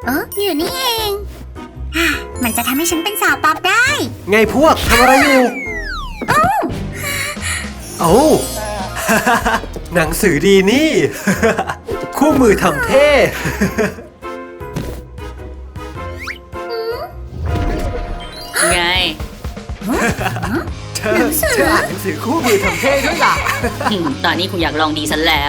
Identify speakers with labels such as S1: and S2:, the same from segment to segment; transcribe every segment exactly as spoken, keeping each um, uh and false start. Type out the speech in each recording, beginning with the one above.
S1: เอออยู่นี่เองอ่ะมันจะทำให้ฉันเป็นสาวป๊อปได้
S2: ไงพวกทำอะไรอยู่โอ้โอ้ หนังสือดีนี่ คู่มือทำเท่
S3: ไง
S2: เธอเธออ่านหนังสือคู่มือทำเท่ด้วยล่ะ
S3: อืมตอนนี้คุณอยากลองดีฉันแล้ว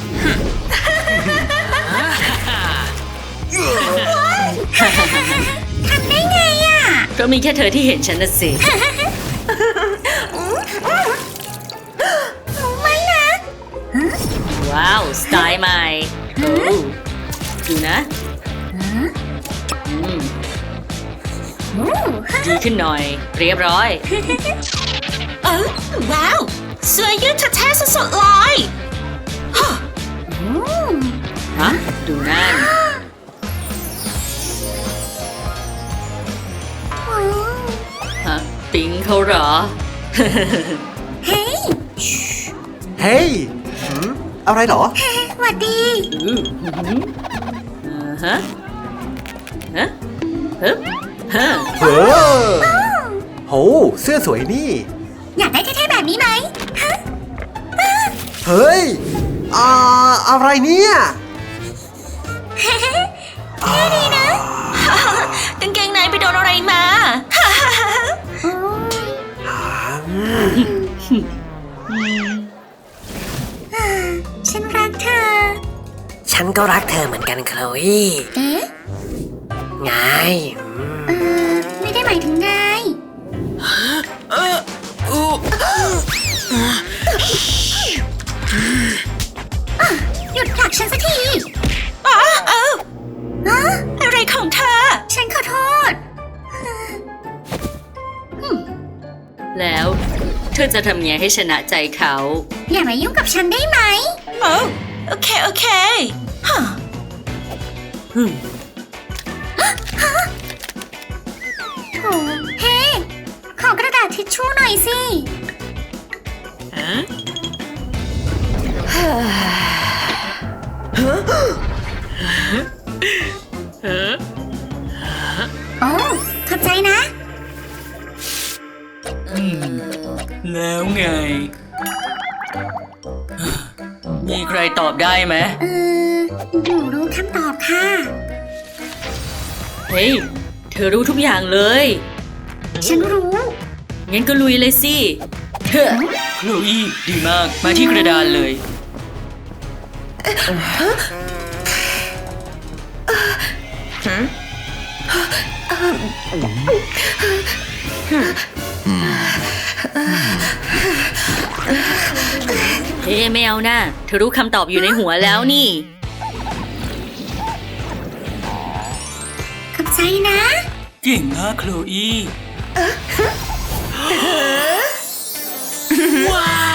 S1: ทำได้ไงอ่ะ
S3: ก็มีแค่เธอที่เห็นฉันนะสิ
S1: ไม่นะ
S3: ว้าว สไตล์ใหม่โอ้ดูนะอืมดีขึ้นหน่อย เรียบร้อย
S4: เออว้าวเสื้อยืดแท้ๆสดๆเลย
S3: ฮะ ดูนั่น ฮะ ปิ๊งเขาเหรอ
S1: เฮ้ย
S2: เฮ้ยหืมอะไรเหรอ
S1: หวัดดี
S3: อืมอ่าฮะ ฮะฮึบฮะ
S2: เฮ้อโหเสื้อสวยนี่
S1: อยากได้เท่ๆแบบนี้ไหมฮะ
S2: เฮ้ย อ่า อะไรเนี่ย
S1: เท่ดีนะ
S4: กางเกงในไปโดนอะไรมา
S1: ฉันรักเธอ
S5: ฉันก็รักเธอเหมือนกันโคลอี
S1: เอ๊ะ
S5: ไง
S1: เออไม่ได้หมายถึงนายอ่ะหยุดผลักฉันสักที
S4: อ๋อเออ
S1: ฮะ
S4: อะไรของเธอ
S1: ฉันขอโทษ
S3: แล้วเธอจะทำไงให้ชนะใจเขา
S1: อย่ามายุ่งกับฉันได้ไหม
S4: โอ้โอเค โอเคฮะ
S1: โถเฮ้ขอกระดาษทิชชู่หน่อยสิ โอ้ขอบใจนะ
S3: แล้วไง มีใครตอบได้ไหม
S1: เออหนูรู้คำตอบค่ะ
S3: เฮ้ย เธอรู้ทุกอย่างเลย
S1: ฉันรู้
S3: งั้นก็ลุยเลยสิเฮ้อโคลอีดีมาก มาที่กระดานเลย เฮ้ไม่เอานะเธอรู้คำตอบอยู่ในหัวแล้วนี่
S1: ขอบใจนะ
S3: เก่งมากโคลอีว้าว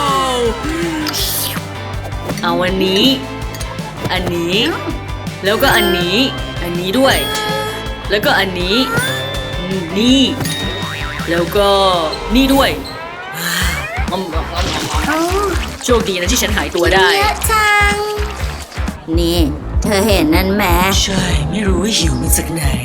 S3: เอาอันนี้ อันนี้ แล้วก็อันนี้ อันนี้ด้วย แล้วก็อันนี้ นี่ แล้วก็นี่ด้วยอืม
S1: โอ้
S3: โชคดีนะที่ฉันหายตัวได้
S1: เยอะจัง
S3: นี่ เธอเห็นนั่นไหมใช่ ไม่รู้ว่าหิวมาจากไหน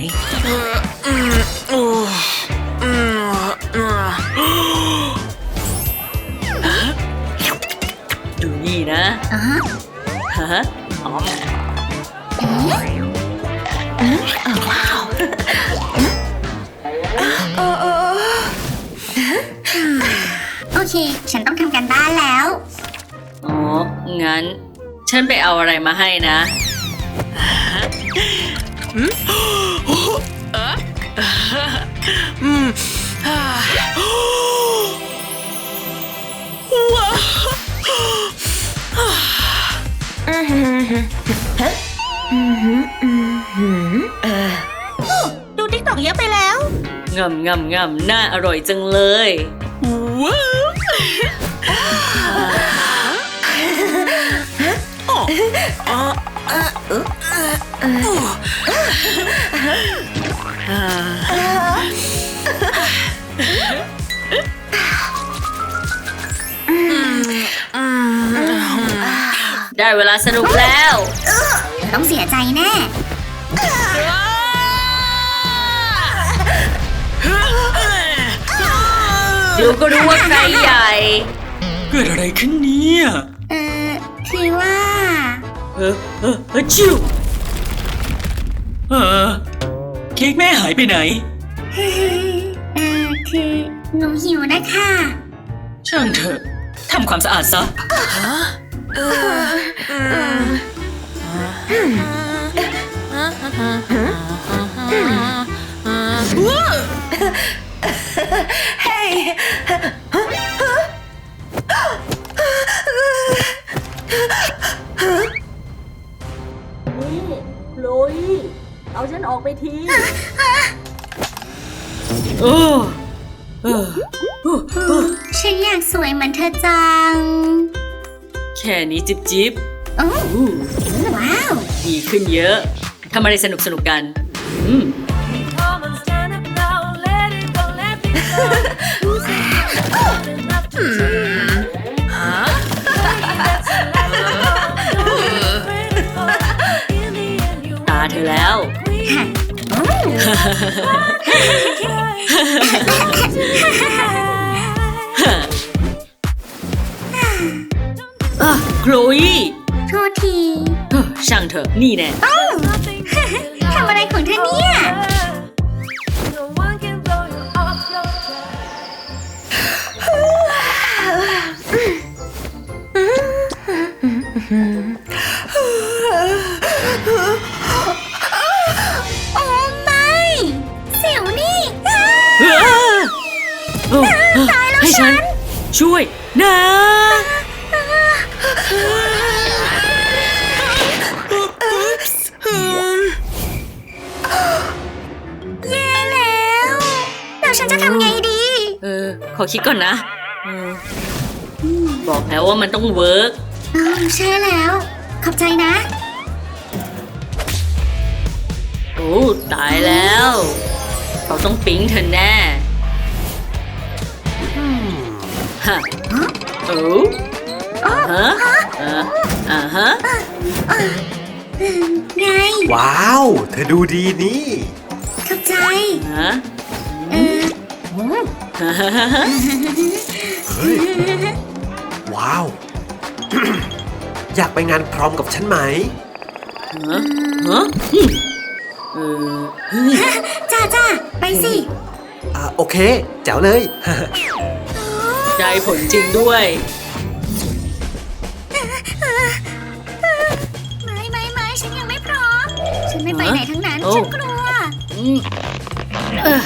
S3: ดูนี่นะ
S1: อ่ะฮะ
S3: ฮะอ๋อ
S1: เอ๊ะโอเค ฉันต้องทำการบ้านแล้ว
S3: อ๋อ งั้น ฉันไปเอาอะไรมาให้นะ
S4: ดูติ๊กตอกเยอะไปแล้ว
S3: งำงำงำน่าอร่อยจังเลย
S4: ว้าว
S3: ได้เวลาสนุกแล้ว
S1: ต้องเสียใจแน่
S3: ว้าดูก็รู้ว่าใครใหญ่
S6: เกิดอะไรขึ้นเนี่ย
S1: เออคือว่า
S6: เออเออเออชิวเออเค้กแม่หายไปไหน
S1: เออคือหนูหิวนะคะ
S6: ช่างเถอะทำความสะอาดซะ
S3: โรยเอาฉันออกไปทีโอ้เออ
S1: ฉันอยากสวยเหมือนเธอจัง
S3: แค่นี้จิบจิบ
S1: โอ้
S3: อู้
S1: ว้าว
S3: ดีขึ้นเยอะ ทำอะไรสนุกสนุกๆกัน อืม ตาเธอแล้ว
S1: โอ้
S3: อ่ะโคลอี
S1: โทษที
S3: เฮ้อช่างเถอะ นี่แน่
S1: โอ้ ทำอะไรของเธอเนี่ย โอ้ไม่เสียวนี่
S3: เอ้อโอ้ให้ฉัน ช่วยนะ
S1: แย่แล้วแล้วฉันจะทำไงดี
S3: เออ ขอคิดก่อนนะเออบอกแล้วว่ามันต้องเวิร์ก
S1: อ๋อใช่แล้ว ขอบใจนะ
S3: โอ้ ตายแล้ว เขาต้องปิ๊งเธอแน่ฮะโอ้ฮะอ่าอ่าฮะ
S1: ไง
S2: ว้าว เธอดูดีนี่
S1: ขอบใจ
S3: ฮะ
S1: เออ
S2: เฮ้ย ว้าว อยากไปงานพร้อมกับฉันไหม
S3: ฮะฮะเออ
S1: จ้าจ้าไปสิ
S2: อ่าโอเค แจ๋วเลย
S3: ได้ผลจริงด้วย
S1: ไม่ไม่ไม่ฉันยังไม่พร้อม ฉันไม่ไปไหนทั้งนั้น
S3: โอ้
S1: ฉันกลัว
S3: อืมเออ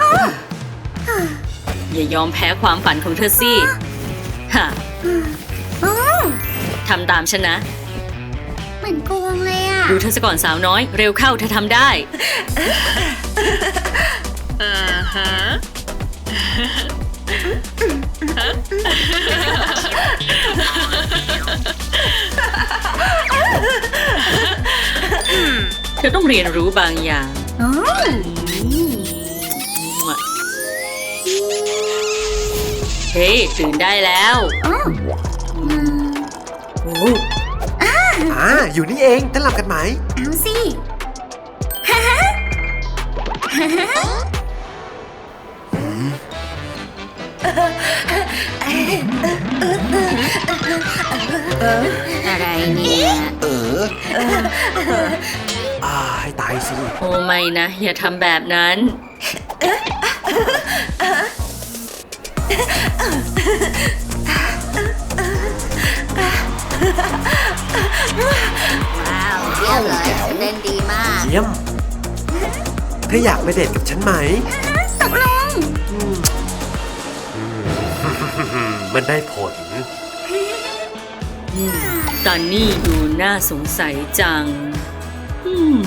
S3: อย่ายอมแพ้ความฝันของเธอสิฮะ
S1: โอ้
S3: ทำตามฉันนะ
S1: เหมือนกวงเลยอ่ะ
S3: ดูเธอซะก่อนสาวน้อย เร็วเข้าเธอทำได้อ่าฮะเธอต้องเรียนรู้บางอย่าง
S1: โอ้
S3: เฮ้ยตื่นได้แล้ว
S1: โอ้
S3: โอ้
S2: อ่า อยู่นี่เองเต้นรำกันไหม
S1: เอาสิ อะไรเนี่ย
S2: เออ อ่า ให้ตายสิ
S3: โอ้ไม่นะ อย่าทำแบบนั้น
S1: ว้าวเยี่ยมเลยเล่นดีมาก
S2: เยี่ยม เธออยากไปเดทกับฉันไหม
S1: ตกลง
S2: มันได้ผล
S3: ตอนนี้ดูน่าสงสัยจัง อืม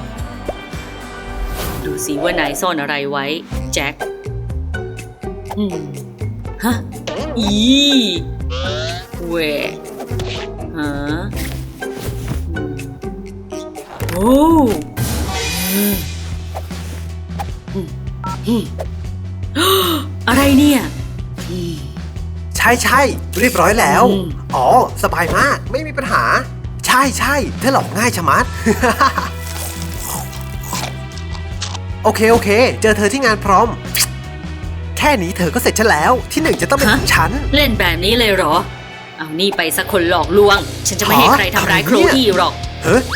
S3: ดูสิว่านายซ่อนอะไรไว้ แจ็ค อืม ฮะ อีเวฮะอืมโอ้อืมอืมอืมอะไรเนี่ย
S2: ใช่ใช่เรียบร้อยแล้ว
S3: อืม
S2: อ๋อ สบายมาก ไม่มีปัญหา ใช่ใช่เธอหลอกง่ายชะมัด โอเค โอเค เจอเธอที่งานพร้อม แค่ค่นี้เธอก็เสร็จฉันแล้ว ที่หนึ่งจะต้องเป็นของฉัน
S3: เล่นแบบนี้เลยเหรอ เอานี่ไปสักคนหลอกลวง ฉันจะไม่ให้
S2: ฮะ
S3: ใครทำร้าย
S2: อะไร
S3: โคล
S2: เนี่ย
S3: อี้หรอก
S2: เฮ้ย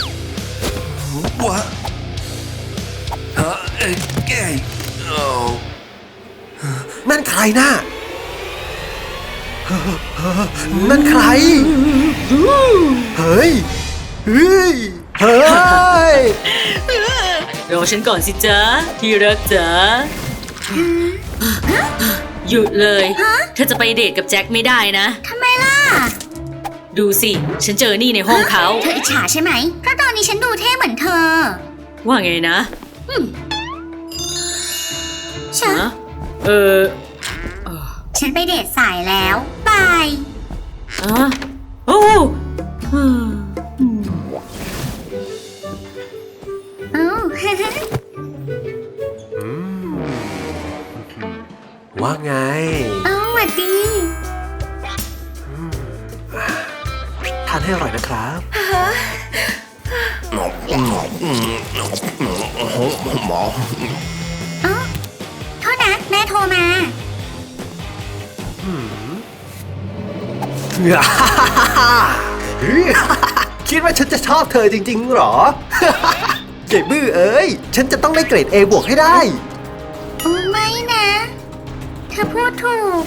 S2: นั่นใครน่ะนั่นใคร เฮ้ย เฮ้ย เฮ้ย
S3: รอฉันก่อนสิจ๊ะ ที่รักจ๊ะหยุดเลย เธอจะไปเดทกับแจ็คไม่ได้นะ
S1: ทำไมล่ะ
S3: ดูสิ ฉันเจอนี่ในห้องเขา
S1: เธออิจฉาใช่ไหม เพราะตอนนี้ฉันดูเท่เหมือนเธอ
S3: ว่าไงนะ
S1: ฉัน
S3: ฮะเออ
S1: ฉันไปเดทสายแล้วบาย
S3: อะโอ้อืม
S1: เอ้า
S2: ว่าไง
S1: เอ้าหวัดดี
S2: ทานให้อร่อยนะครับ
S1: เอ้าโทษนะ แม่โทรมา
S2: คิดว่าฉันจะชอบเธอจริงๆหรอ เจ็บบื้อเอ้ย ฉันจะต้องได้เกรด A บวกให้ได้
S1: โอ้ไม่นะ เธอพูดถูก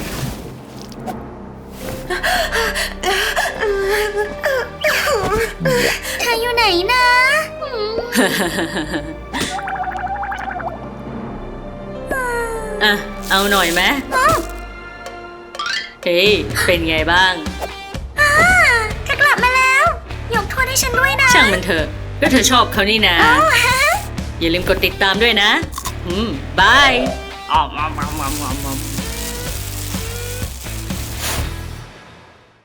S1: เธออยู่ไหนนะอืม
S3: อ่ะ เอาหน่อยไหม
S1: อ้าว
S3: เฮ้ย เป็นไงบ้าง
S1: อ่าเธอกลับมาแล้ว ยกโทษให้ฉันด้วยนะ
S3: ช่างมันเถอะ ก็เธอชอบเขานี่นะ
S1: อ้าวฮะ
S3: อย่าลืมกดติดตามด้วยนะ อืม บาย